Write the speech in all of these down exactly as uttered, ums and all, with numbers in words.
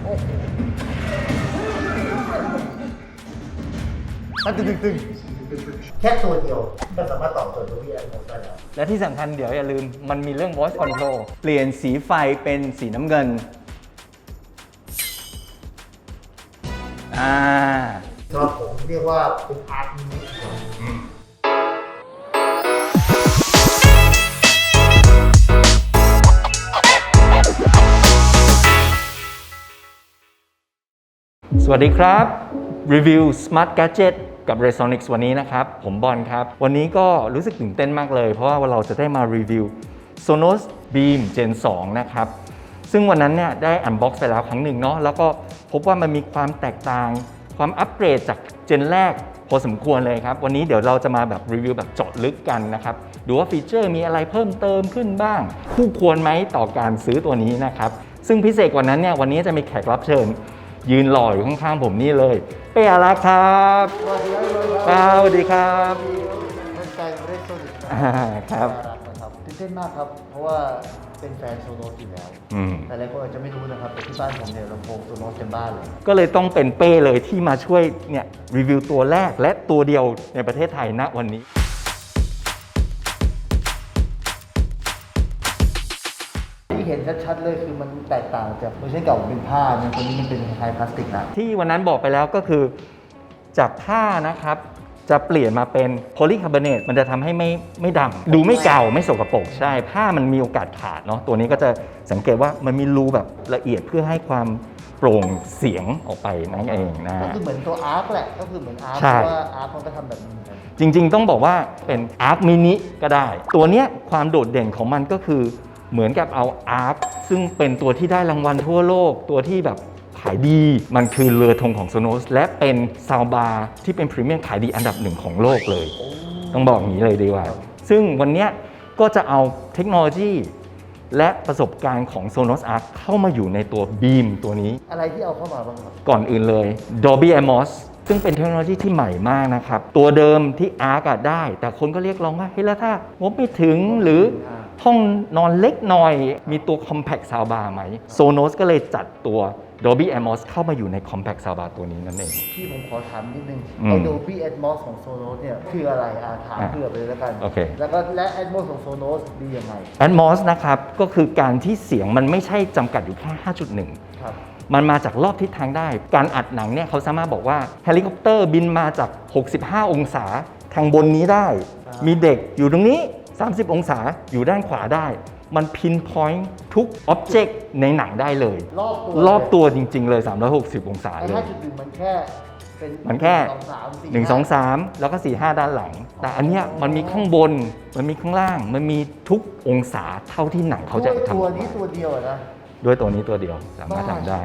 มันตึงตึงแค่ตัวเดียวก็สามารถตอบโจทย์ Dolby Atmos ได้แล้วและที่สำคัญเดี๋ยวอย่าลืมมันมีเรื่อง voice control เปลี่ยนสีไฟเป็นสีน้ำเงินอ่าสำหรับผมเรียกว่าเป็นอาร์ตมินิสวัสดีครับรีวิว Smart Gadget กับ Resonix วันนี้นะครับผมบอลครับวันนี้ก็รู้สึกตื่นเต้นมากเลยเพราะว่าเราจะได้มารีวิว Sonos Beam Gen สองนะครับซึ่งวันนั้นเนี่ยได้ Unbox ไปแล้วครั้งหนึ่งเนาะแล้วก็พบว่ามันมีความแตกต่างความอัปเกรดจากเจนแรกพอสมควรเลยครับวันนี้เดี๋ยวเราจะมาแบบรีวิวแบบเจาะลึกกันนะครับดูว่าฟีเจอร์มีอะไรเพิ่มเติมขึ้นบ้างคู่ควรไหมต่อการซื้อตัวนี้นะครับซึ่งพิเศษกว่านั้นเนี่ยวันนี้จะมีแขกรับเชิญยืนหล่ออยู่ข้างๆผมนี่เลยเป้อารักครับสวัสดีครับสวัสดีครับเป็นแฟนเรสโซนิกครับนะครับตื่นเต้นมากครับเพราะว่าเป็นแฟนโซโนสอยู่แล้วแต่หลายคนอาจจะไม่รู้นะครับแต่ที่บ้านผมเนี่ยลำโพงโซโนสเต็มบ้านเลยก็เลยต้องเป็นเป้เลยที่มาช่วยเนี่ยรีวิวตัวแรกและตัวเดียวในประเทศไทยณวันนี้ที่เห็นชัดๆเลยคือมันแตกต่างจากเวอร์ชันเก่าเป็นผ้าเนี่ยตัวนี้มันเป็นคล้ายพลาสติกนะที่วันนั้นบอกไปแล้วก็คือจากผ้านะครับจะเปลี่ยนมาเป็นโพลีคาร์บอเนตมันจะทำให้ไม่ไม่ดำดูไม่เก่าไม่สกปรกใช่ผ้ามันมีโอกาสขาดเนาะตัวนี้ก็จะสังเกตว่ามันมีรูแบบละเอียดเพื่อให้ความโปร่งเสียงออกไปนั่นเองนะก็คือเหมือนตัวอาร์คแหละก็คือเหมือนอาร์คเพราะว่าอาร์คมันก็ทำแบบนี้จริงๆต้องบอกว่าเป็นอาร์คมินิก็ได้ตัวเนี้ยความโดดเด่นของมันก็คือเหมือนกับเอาอาร์คซึ่งเป็นตัวที่ได้รางวัลทั่วโลกตัวที่แบบขายดีมันคือเรือธงของ Sonos และเป็นซาวบาร์ที่เป็นพรีเมียมขายดีอันดับหนึ่งของโลกเลยต้องบอกอย่างนี้เลยดีกว่าซึ่งวันนี้ก็จะเอาเทคโนโลยีและประสบการณ์ของ Sonos Arc เข้ามาอยู่ในตัว Beam ตัวนี้อะไรที่เอาเข้ามาบ้างครับก่อนอื่นเลย Dolby Atmos ซึ่งเป็นเทคโนโลยีที่ใหม่มากนะครับตัวเดิมที่ Arc ได้แต่คนก็เรียกร้องว่าเฮ้ยแล้วถ้างบไม่ถึงหรือห้องนอนเล็กหน่อยมีตัว Compact Soundbar ไหม Sonos ก็เลยจัดตัว Dolby Atmos เข้ามาอยู่ใน Compact Soundbar ตัวนี้นั่นเองที่ผมขอถามนิดนึงไอ้ Dolby Atmos ของ Sonos เนี่ยคืออะไรอาถามเพื่อไปเลยแล้วกันโอเคแล้วก็และ Atmos ของ Sonos ดียังไง Atmos นะครับก็คือการที่เสียงมันไม่ใช่จำกัดอยู่แค่ ห้าจุดหนึ่งครับมันมาจากรอบทิศทางได้การอัดหนังเนี่ยเขาสามารถบอกว่าเฮลิคอปเตอร์บินมาจากหกสิบห้าองศาทางบนนี้ได้มีเด็กอยู่ตรงนี้สามสิบองศาอยู่ด้านขวาได้มันพินพอยต์ทุกอ็อบเจกต์ในหนังได้เลยรอบตัวรอบตัวจริงๆเลยสามร้อยหกสิบองศาเลยห้าจุดหนึ่ง มันแค่เป็นมันแค่หนึ่ง สอง สามแล้วก็สี่ ห้าด้านหลังแต่อันเนี้ยมันมีข้างบนมันมีข้างล่างมันมีทุกองศาเท่าที่หนังเขาจะทำตัวนี้ตัวเดียวนะด้วยตัวนี้ตัวเดียวสามารถทำได้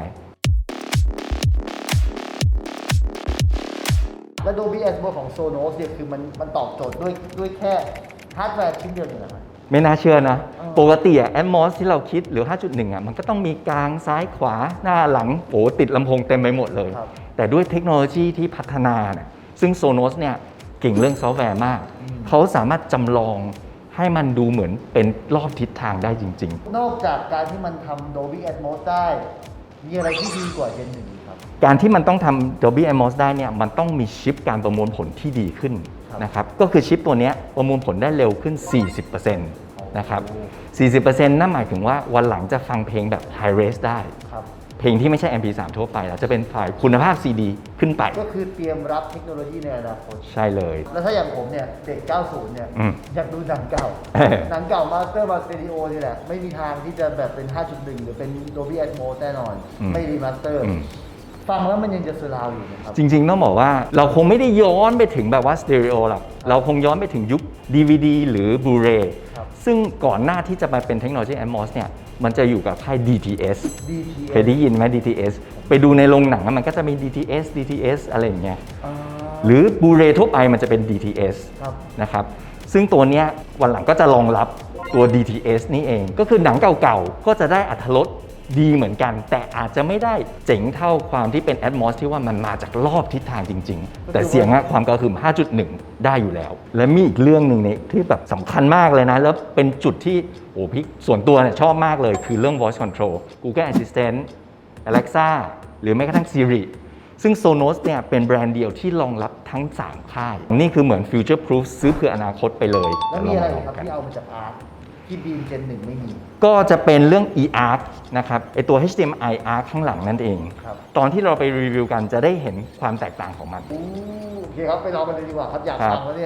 และ Dolby Atmos ของ Sonos เนี่ยคือมันมันตอบโจทย์ด้วยด้วยแค่ฮาร์ดแวร์ชิ้นเดียวนี่แหละไม่น่าเชื่อนะปกติอะ Atmos ที่เราคิดหรือ ห้าจุดหนึ่ง อะมันก็ต้องมีกลางซ้ายขวาหน้าหลังโอ้ติดลำโพงเต็มไปหมดเลยแต่ด้วยเทคโนโลยีที่พัฒนาเนี่ยซึ่ง Sonos เนี่ยเก่งเรื่องซอฟต์แวร์มากเขาสามารถจำลองให้มันดูเหมือนเป็นรอบทิศทางได้จริงๆนอกจากการที่มันทำ Dolby Atmos ได้มีอะไรที่ดีกว่า Gen หนึ่งครับการที่มันต้องทำ Dolby Atmos ได้เนี่ยมันต้องมีชิปการประมวลผลที่ดีขึ้นนะครับก็คือชิปตัวนี้ประมวลผลได้เร็วขึ้น สี่สิบเปอร์เซ็นต์ นะครับ สี่สิบเปอร์เซ็นต์ นั่นหมายถึงว่าวันหลังจะฟังเพลงแบบ High Res ได้เพลงที่ไม่ใช่ เอ็ม พี สาม ทั่วไปแล้วจะเป็นไฟล์คุณภาพ ซี ดี ขึ้นไปก็คือเตรียมรับเทคโนโลยีในอนาคตใช่เลยแล้วถ้าอย่างผมเนี่ยเด็กเก้าสิบเนี่ยอยากดูหนังเก่าหนังเก่ามาสเตอร์มาสเตอริโอนี่แหละไม่มีทางที่จะแบบเป็น ห้าจุดหนึ่ง หรือเป็น Dolby Atmos แน่นอนไม่รีมาสเตอร์ฟังแล้วมันยังจะสลาวอยู่นะครับจริงๆต้องบอกว่าเราคงไม่ได้ย้อนไปถึงแบบว่าสเตอริโอหรอกเราคงย้อนไปถึงยุค ดี วี ดี หรือ Blu-ray ซึ่งก่อนหน้าที่จะมาเป็นเทคโนโลยี Atmos เนี่ยมันจะอยู่กับค่าย ดี ที เอส เคยได้ยินไหม ดี ที เอส ไปดูในโรงหนังมันก็จะมี ดี ที เอส ดี ที เอส อะไรอย่างเงี้ยหรือ Blu-ray ทั่วไปมันจะเป็น ดี ที เอส นะครับซึ่งตัวเนี้ยวันหลังก็จะรองรับตัว ดี ที เอส นี่เองก็คือหนังเก่าๆก็จะได้อรรถรสดีเหมือนกันแต่อาจจะไม่ได้เจ๋งเท่าความที่เป็น Atmos ที่ว่ามันมาจากรอบทิศทางจริงๆแต่เสียงความกระหึ่ม ห้าจุดหนึ่ง ได้อยู่แล้วและมีอีกเรื่องหนึ่งเนี่ยที่แบบสำคัญมากเลยนะแล้วเป็นจุดที่โอ้พี่ส่วนตัวเนี่ยชอบมากเลยคือเรื่อง voice control Google Assistant Alexa หรือแม้กระทั่ง Siri ซึ่ง Sonos เนี่ยเป็นแบรนด์เดียวที่รองรับทั้ง สาม ค่าย นี่คือเหมือน Future Proof ซื้อเพื่ออนาคตไปเลยแล้วมีอะไรครับที่เอามาจากอาร์คที่บีมเจนหนึ่งไม่มีก็จะเป็นเรื่อง e-arc นะครับไอตัว เอช ดี เอ็ม ไอ arc ข้างหลังนั่นเองครับตอนที่เราไปรีวิวกันจะได้เห็นความแตกต่างของมันอู้โอเคครับไปลองกันเลยดีกว่าครับอยากครับฟังแล้วเนี่ย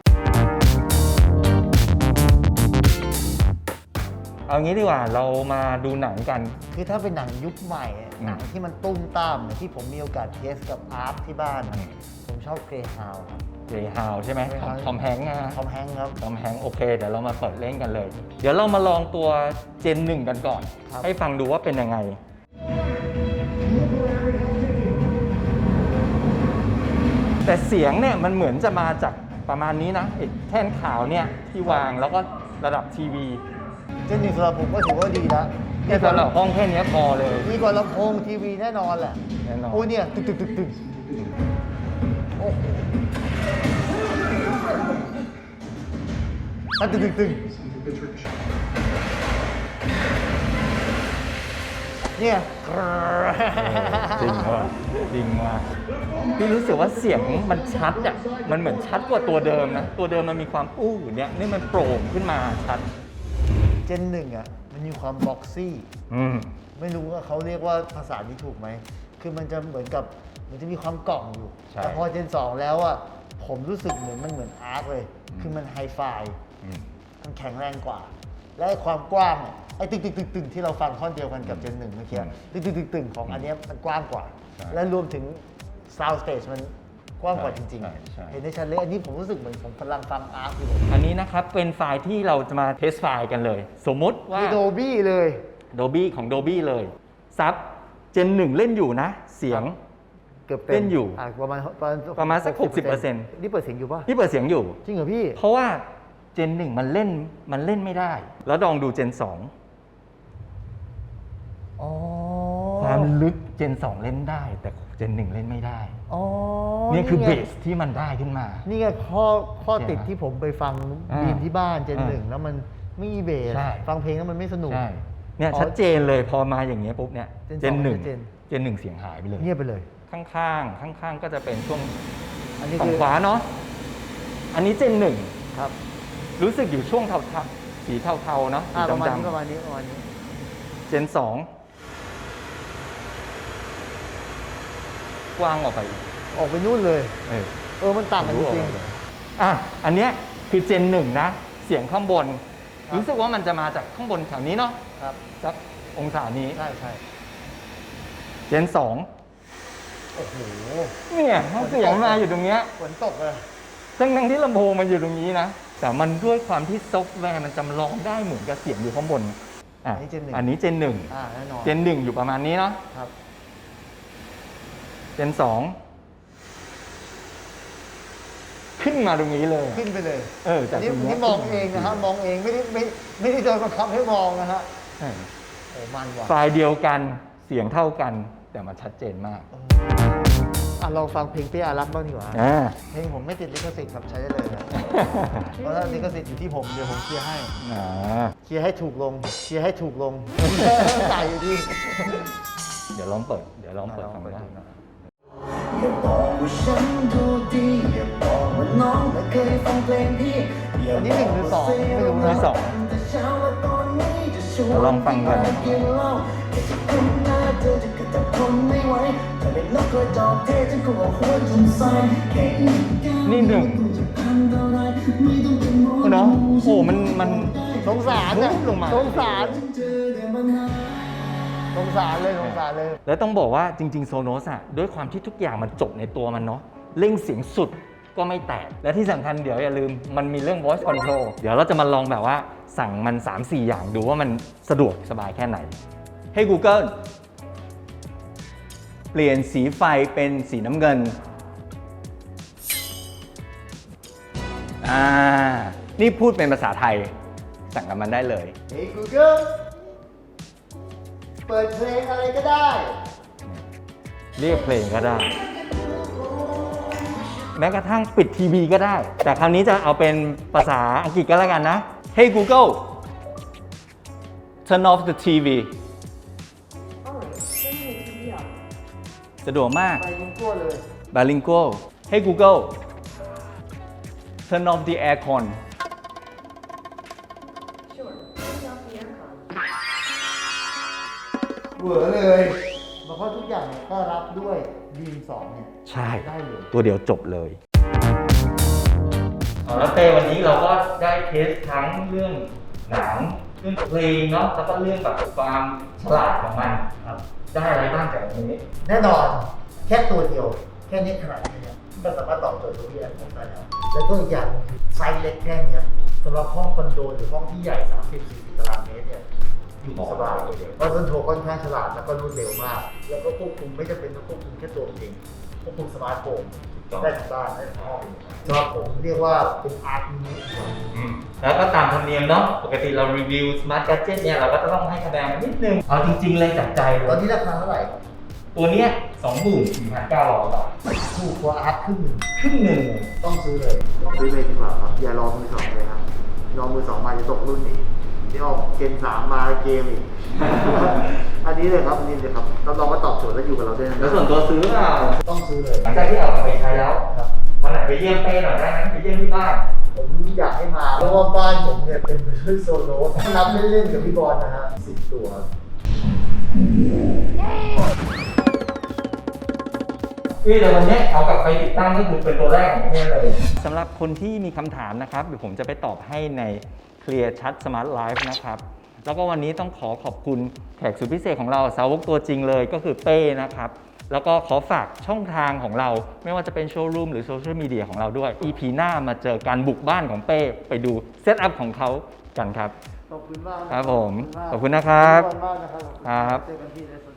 เอางี้ดีกว่าเรามาดูหนังกันคือถ้าเป็นหนังยุคใหม่อะอืมหนังที่มันตุ้มตามเนี่ยที่ผมมีโอกาสเทสกับอาร์คที่บ้านอะอืมผมชอบเกรย์ฮาวครับเรฮาวใช่ไหม Greyhound ทอมแฮงค์นะทอมแฮงค์ครับทอมแฮงค์โอเค เดี๋ยวเรามาเปิดเล่นกันเลย เดี๋ยวเรามาลองตัวเจนหนึ่งกันก่อนครับให้ฟังดูว่าเป็นยังไง แต่เสียงเนี่ยมันเหมือนจะมาจากประมาณนี้นะไอ้แท่นขาวเนี่ยที่วางแล้วก็ระดับทีวีเจนหนึ่งสำหรับผมก็ถือว่าดีแล้วเนี่ยสำหรับห้องแค่เนี้ยพอเลยดีกว่าลำโพงทีวีแน่นอนแหละแน่นอนโอ้ยเนี่ยตึกตึกตึกตึกโอ้โหอ่ะตึกตึกตึกเนี่ยจริงว่ะจริงว่ะพี่รู้สึกว่าเสียงมันชัดอ่ะ มันเหมือนชัดกว่าตัวเดิมนะ ตัวเดิมมันมีความอู้เนี่ยนี่มันโปร่งขึ้นมาชัดเจนหนึ่งอ่ะมันมีความบ็อกซี่อืมไม่รู้ว่าเขาเรียกว่าภาษานี้ถูกไหม คือมันจะเหมือนกับมันจะมีความกล่องอยู่ใช่แต่พอเจนสองแล้วอ่ะผมรู้สึกเหมือนมันเหมือนอาร์คเลย คือมันไฮไฟอืมมันแข็งแรงกว่า และไอ้ความกว้างอะไอ้ตึกตึกตึกตึกที่เราฟังท่อนเดียวกันกับเจนหนึ่งเมื่อกี้ตึกตึกตึกตึกของอันเนี้ยมันกว้างกว่าใช่และรวมถึง sound stage มันกว้างกว่าจริงใช่ใช่ๆ เห็นได้ชัดเลยอันนี้ผมรู้สึกเหมือนผมกำลังฟังอาร์คอยู่อันนี้นะครับเป็นไฟล์ที่เราจะมาเทสไฟล์กันเลย สมมุติว่าคือโดบี้เลย Dolby ของ Dolby เลยซับเจนหนึ่งเล่นอยู่นะ เสียงเกือบเต็มเล่นอยู่ะประมาณประมาณประมาณสักหกสิบเปอร์เซ็นต์นี่เปิดเสียงอยู่ป่ะพี่เปิดเสียงอยู่จริงเหรอพี่เพราะว่าเจนหนึ่งมันเล่นมันเล่นไม่ได้ แล้วลองดูเจนสองอ๋อความลึกเจนสองเล่นได้ แต่เจนหนึ่งเล่นไม่ได้อ๋อนี่คือไงเบสที่มันได้ขึ้นมานี่ไงข้อข้อติดใช่ไหมที่ผมไปฟังอ่าบีมที่บ้านเจนอ่าหนึ่งแล้วมันไม่มีเบสใช่ฟังเพลงแล้วมันไม่สนุกใช่เนี่ยอ๋อชัดเจนเลยพอมาอย่างเงี้ยปุ๊บเนี่ยเจนสองหนึ่งชัดเจนเจนหนึ่งเสียงหายไปเลยเงียบไปเลยข้างๆ ข้างๆ ก็จะเป็นช่วงอันนี้ฝั่คืงอขวาเนาะ อันนี้เจนหนึ่งครับรู้สึกอยู่ช่วงเทาๆ สีเทาๆ เนาะสีอ่าประมาณนี้ดำประมาณนี้ประมาณนี้ๆ เจนสองกว้างออกไปอีกออกไปนู่นเลยเออเออมันต่างกันจริงอ่ะ อันเนี้ยคือเจนหนึ่งนะ เสียงข้างบน รู้สึกว่ามันจะมาจากข้างบนแถวนี้เนาะๆครับสักองศานี้ใช่ใช่เจนสองโอ้โหเนี่ยเสียงมาอยู่ตรงเนี้ยฝนตกเลยทั้งทั้งที่ลำโพงมันอยู่ตรงนี้นะ แต่มันด้วยความที่ซอฟต์แวร์มันจำลองได้เหมือนกับเสียงอยู่ข้างบนอ่ะอันนี้เจนหนึ่งอันนี้เจนหนึ่งอ่าแน่นอนเจนหนึ่งอยู่ประมาณนี้เนาะครับเจนสองขึ้นมาตรงนี้เลยขึ้นไปเลยเออจากนี่ตรงเนี้ยนี่มองเองนะฮะมองเองไม่ได้ไม่ไม่ได้โดนบังคับให้มองนะฮะใช่โอ้มันว่ะไฟล์เดียวกันเสียงเท่ากัน แต่มันชัดเจนมากอ่ะลองฟังเพลงเปี้ยอารักบ้างดีกว่าอ่าเพลงผมไม่ติดลิขสิทธิ์ครับใช้ได้เลยนะเพราะถ้าลิขสิทธิ์อยู่ที่ผมเดี๋ยวผมเคลียร์ให้อ่าเคลียร์ให้ถูกลงเคลียร์ให้ถูกลงใส่อยู่ดีเดี๋ยวลองเปิด เดี๋ยวลองเปิดอ่ะลฟัองงเปิดได้ดูนะอย่าบอกว่าฉันดูดีอย่าบอกว่าน้องไม่เคยฟังเพลงพี่อย่าอันนี้หนึ่งหรือสองไม่รู้อันนี้นะสองแต่เช้าและตอนนี้จะชวนเดี๋ยวลองฟังก่อนไปกินเหล้าแค่จะคุ้นหน้าเธอจะกระจับทนไม่ไหวถ้าเป็นนกกระจอกเทศฉันคงเอาหัวจุ่มใส่แค่อีกแก้วนี่หนึ่งจะพันเท่าไรไม่ต้องเป็นหมอเนาะโอ้โหมันมันสงสารอะรูปลงมาสงสารเจอแต่ปัญหาสงสารเลยสงสารเลยแล้วต้องบอกว่าจริงๆโซโนสอะด้วยความที่ทุกอย่างมันจบในตัวมันเนาะเร่งเสียงสุดก็ไม่แตก และที่สำคัญเดี๋ยวอย่าลืมมันมีเรื่อง voice control เดี๋ยวเราจะมาลองแบบว่าสั่งมัน สามสี่ อย่างดูว่ามันสะดวกสบายแค่ไหน ให้ Google เปลี่ยนสีไฟเป็นสีน้ำเงินอ่านี่พูดเป็นภาษาไทย สั่งกับมันได้เลยเฮ้ย Google เปิดเพลงอะไรก็ได้เรียกเพลงก็ได้ แม้กระทั่งปิดทีวีก็ได้ แต่คราวนี้จะเอาเป็นภาษาอังกฤษก็แล้วกันนะ Hey Google turn off the ที วี Orange, turn สะดวกมากไปลิงกัวเลย bilingual Hey Google turn off the aircon Sure. Turn off the aircon. เหวอเลยเพราะทุกอย่างเนี่ยก็รับด้วยดีมสองเนี่ยใช่ได้เลยตัวเดียวจบเลยแล้วเต้วันนี้เราก็ได้เทสทั้งเรื่องหนังเรื่องเพลงเนาะแล้วก็เรื่องแบบความฉลาดของมันครับได้อะไรบ้างจากอันนี้แน่นอนแค่ตัวเดียวแค่นี้ขนาดนี้เนี่ยมันสามารถตอบโจทย์ตัวพี่แอนผมได้แล้วแล้วก็อีกอย่างคือไซส์เล็กแค่เนี้ยสำหรับห้องคอนโดหรือห้องที่ใหญ่ สามสิบถึงสี่สิบ ตารางเมตรเนี่ยอยู่สบายเลยเพราะคอนโทรลค่อนข้างฉลาดแล้วก็รวดเร็วมาก แล้วก็ควบคุมไม่จำเป็นต้องควบคุมแค่ตัวเองควบคุมสมาร์ทโฟนได้ทั้งบ้านได้ทั้งห้องสำหรับผมเรียกว่าเป็นอาร์ตมินิแล้วก็ตามธรรมเนียมเนาะปกติเรารีวิว Smart Gadget เนี่ยเราก็จะต้องให้คะแนนมันนิดนึงเอาจริง ๆ เลยจากใจเลตอนยนี้ราคาเท่าไหร่ครับตัวเนี้ย สองหมื่นสี่พันเก้าร้อย บาทถูกกว่าอาร์ตครึ่งหนึ่งครึ่งหนึ่งต้องซื้อเลยซื้อเลยดีกว่าครับอย่ารอมือสองเลยครับรอมือสองมาจะตกรุ่นอีกเดี๋ยวออกเกมสามมาเกมอีก อันนี้เลยครับอันนี้เลยครับรับรองว่าตอบโจทย์และอยู่กับเราได้นานแล้วส่วนตัวซื้อเปล่าต้องซื้อเลยหลังจากที่เอากลับไปใช้แล้วครับวันไหนไปเยี่ยมเป้หน่อยได้ไหมไปเยี่ยมที่บ้านผมอยากให้มาเพราะว่าบ้านผมเนี่ยเป็นพื้นโซโล่ถ้านับเล่นๆกับพี่บอลนะฮะสิบตัวพี่แต่วันนี้เอากลับไปติดตั้งก็คือเป็นตัวแรกของประเทศเลยสำหรับคนที่มีคำถามนะครับเดี๋ยวผมจะไปตอบให้ใน Clear Chat Smart Life นะครับแล้วก็วันนี้ต้องขอขอบคุณแขกสุดพิเศษของเราสาวกตัวจริงเลยก็คือเป้นะครับแล้วก็ขอฝากช่องทางของเราไม่ว่าจะเป็นโชว์รูมหรือโซเชียลมีเดียของเราด้วย อี พี หน้ามาเจอการบุกบ้านของเป้ไปดูเซตอัพของเขากันครับขอบคุณมากนะครับผมขอบคุณนะครับขอบคุณมากนะครับครับเจอกันที่ในส